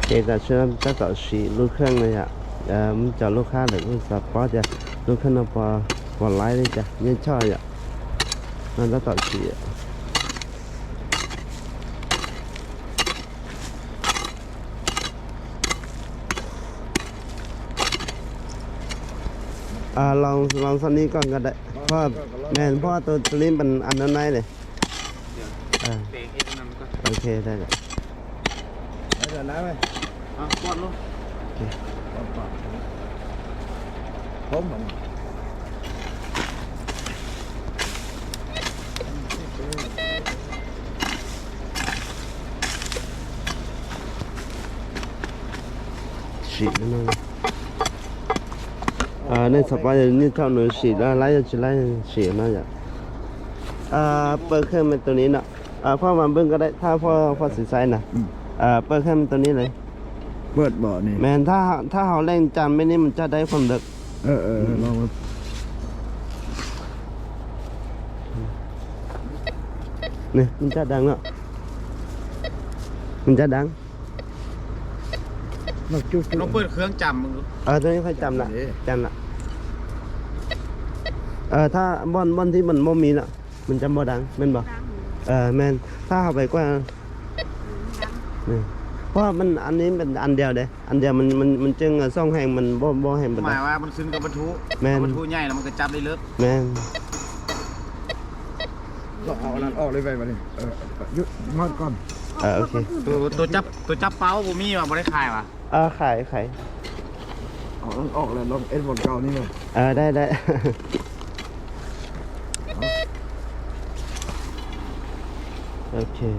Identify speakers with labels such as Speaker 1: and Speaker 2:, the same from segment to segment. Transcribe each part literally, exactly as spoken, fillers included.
Speaker 1: kể cả chuyện ta tạo sĩ lúc khăn này ạ à mình cho lúc khác được mình sắp bỏ ra lúc khăn nó bỏ bỏ lái đi chả nhân cho ạ nó đã tạo sĩ ạ à lองลองสันนี้ก่อนก็ได้เพราะแม่นเพราะตัวตัวนี้มันอันนั้นไหนเลยอ่าโอเคได้เลย
Speaker 2: เดี๋ยวน้ำไหมอ่ะกดลูกโอเคกดก่อนผมเหมือน
Speaker 1: สีนั่นเลยอ่าในสปายนี่เท่าหนูสีแล้วไล่จะไล่สีน่าจะอ่าเปิดเครื่องเป็นตัวนี้เนาะอ่าพ่อมาเบิ้งก็ได้ถ้าพ่อพ่อสีใสนะอ่าเปิดเครื่องตัวนี้เลย
Speaker 2: เปิดบ่อนี่
Speaker 1: แมนถ้าถ้าเขาเล่นจำไม่นี่มันจะได้ความดึก
Speaker 2: เออเออลอง
Speaker 1: นี่มันจะดังเนาะมันจะดัง
Speaker 2: ลองจุ๊บ
Speaker 3: ลองเปิดเครื่องจำมึงดู
Speaker 1: เออตัวนี้ค่อยจำละจำละเออถ้าบอนบอนที่มันโมมีน่ะมันจะบ่ดังแม่นบ่เออแมนถ้าเขาไปกว่านี่เพราะมันอันนี้เป็นอันเดียวเด้อันเดียวมันมันมันจึงซ่องแห่งมันบ่บ่แห่งบ่
Speaker 3: หมายว่ามันขึ้นกับบรรทุกบรรทุกใหญ่แล้วมันก็จับได้เลิก
Speaker 1: แม่น
Speaker 2: ก็เอาอันนั้นออกเลยไปมาดิเออยุดงอดก่อน
Speaker 1: เออโอเค
Speaker 3: ตัวตัวจับตัวจับเป้าบ่มีว่ะบ่ได้ขายว่ะ
Speaker 1: เออขายขาย
Speaker 2: เอาอันออกเลยลองเอ็นบอลเก่านี่เลย
Speaker 1: เออได้ได้โอเค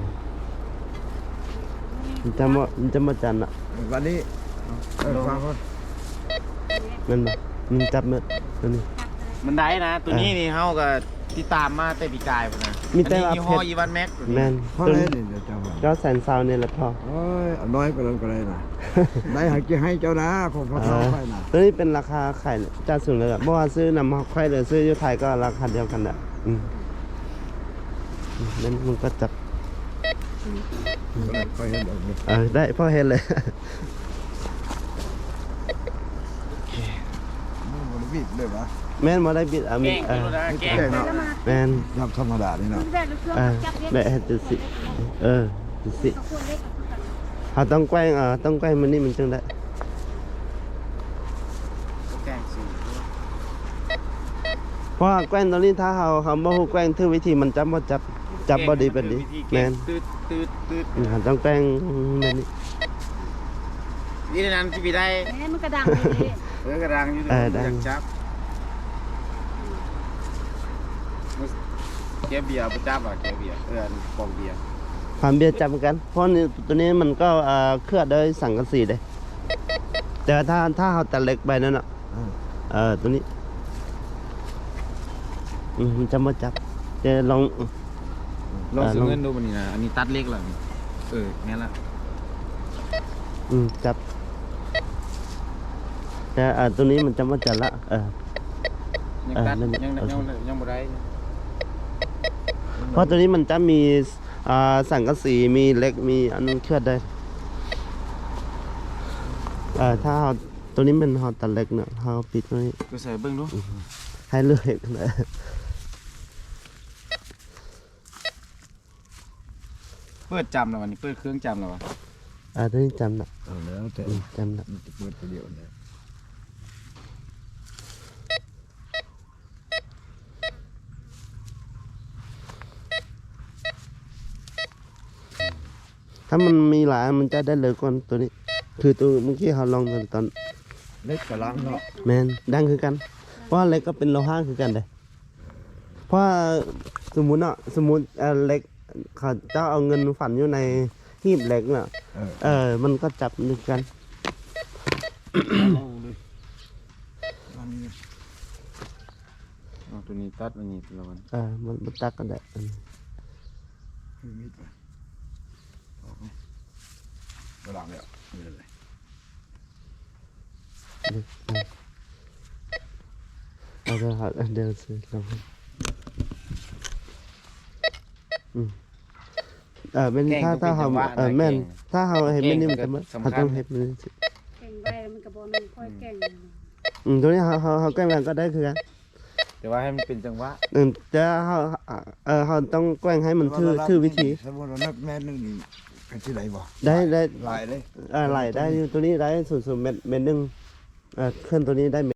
Speaker 1: มันจะมามันจะมาจันอ่ะ
Speaker 2: วันนี้เออฟังก่อน
Speaker 1: มันบ่มันจับมือตัวนี้
Speaker 3: มันได้นะตัวนี้นี่เฮาก็ติดตามมาแต่ปีกายพุ่นนะ
Speaker 1: มีแต่ว่า
Speaker 3: ยี่ห้ออีวานแม็ก
Speaker 1: แม่น
Speaker 2: พ่อเล่นนี่เดี๋ยวจำ
Speaker 1: ก็แสนซาวนี่แหละพ่อ
Speaker 2: โอ้ยน้อยก็เลยก็เลยนะได้หาจะให้เจ้านะของพ่อเขาไปนะ
Speaker 1: ตัวนี้เป็นราคาขายจะสูงเลยเพราะว่าซื้อนำมาค่อยเลยซื้ออยู่ไทยก็ราคาเดียวกันแหละอืมนั่นมันก็จับเออได้พ่อเห็นเลย
Speaker 2: บิดเลยวะ
Speaker 1: แม่นมาได้บิดอ่ะมี
Speaker 3: เออ
Speaker 1: แม่น
Speaker 2: ยับธรรมดานี่นะ
Speaker 1: เออแบะจุดสิเออจุดสิเขาต้องแกว้งเออต้องแกว้งมันนี่มันจึงได้เพราะแกว้งตอนนี้ถ้าเขาเขาบ่ฮู้แกว้งถือวิธีมันจับบ่จับจับบ่ดีเป็นดีแม่น
Speaker 3: ตืดตืดตืด
Speaker 1: ต้องแกว้งแบบนี้
Speaker 3: นี่นั่นที่พี่ได้
Speaker 4: มันกระดังเลย
Speaker 3: เออกระดังอยู่ด้วยอยากจับเกียร์เบียร์ประจับอ่ะเกียร์เบียร์เออปองเบียร์
Speaker 1: ความเบียร์จับกันเพราะนี่ตัวนี้มันก็เคลือบด้วยสังกะสีเลยแต่ถ้าถ้าเขาตัดเหล็กไปนั่นอ่ะเออตัวนี้มันจะมาจับจะลอง
Speaker 3: ลองซื้อเงินดูมันนี่นะอันนี้ตัดเล็กเลยเออแง่ละ
Speaker 1: อืมจับแต่อ่าตัวนี้มันจะมาจับละเออ
Speaker 3: ยังตัดยังยังยังบ่ได้
Speaker 1: เพราะตัวนี้มันจะมีอ่าสังกะสีมีเหล็กมีอันนึงเคลือบได้เออถ้าเราตัวนี้เป็นหอตัดเหล็กเนาะเราปิดไว้
Speaker 3: ก็ใส่เบิ้งดู
Speaker 1: ให้เลือกเลย
Speaker 3: เปิดจำแล้ววันนี้เปิดเครื่องจำแล้ววะ
Speaker 1: อ่าตัวนี้จำละ
Speaker 2: แล้วแต่
Speaker 1: จำละ
Speaker 2: เปิดไปเดียวเนี่ย
Speaker 1: ถ้ามันมีหลายมันจะได้เลยก่อนตัวนี้คือตัวเมื่อกี้เขาลองตอนตอน
Speaker 2: เล็กกับลังเนาะ
Speaker 1: แมนดังคือกันเพราะเล็กก็เป็นโลหะคือกันเลยเพราะสมมุติเนาะสมมุติเล็กเขาเจ้าเอาเงินฝันอยู่ในหีบเหล็กเนาะเออมันก็จับนึกกัน
Speaker 3: ตัวนี้ตัดอันนี้ตัวมัน
Speaker 1: เออมันมันตัดกันได้
Speaker 2: กระดังเนี่ยนี่เลย
Speaker 1: เอาเดี๋ยวหาเดี๋ยวซื้อลองอืมเออเป็น
Speaker 3: แกง
Speaker 1: ถ้า
Speaker 3: ต้อง
Speaker 1: ถ้า
Speaker 3: เป็น
Speaker 1: เฮา
Speaker 3: จังหวะ
Speaker 1: เออ
Speaker 3: นะ
Speaker 1: แม่น
Speaker 3: แกง
Speaker 1: ถ้าเฮาเฮ็ดแบบนี้มัน
Speaker 3: แก
Speaker 1: จะ
Speaker 3: ง
Speaker 1: บ่
Speaker 3: ก็สำคัญ
Speaker 1: เฮาต้องเฮ็ดมัน
Speaker 4: แก่งไว้มันก็บ่นึงค่อยแก่ง
Speaker 1: อืมตัวนี้เฮาเฮาเฮาแกล้งกันก็ได้คือกัน
Speaker 3: แต่ว่าให้มันเป็นจังหวะ
Speaker 1: อืมแต่เฮาเออเฮาต้องแกล้งให้มันทื่อทื่อวิธี
Speaker 2: สมมุติว่านับแม่นึงนี่กันที่ไหนบ่
Speaker 1: ได้ได้
Speaker 2: หลายเลย
Speaker 1: เออไหลได้อยู่ตัวนี้ได้ศูนย์ศูนย์เม็ดเม็ดหนึงเออเคลื่อนตัวนี้ได้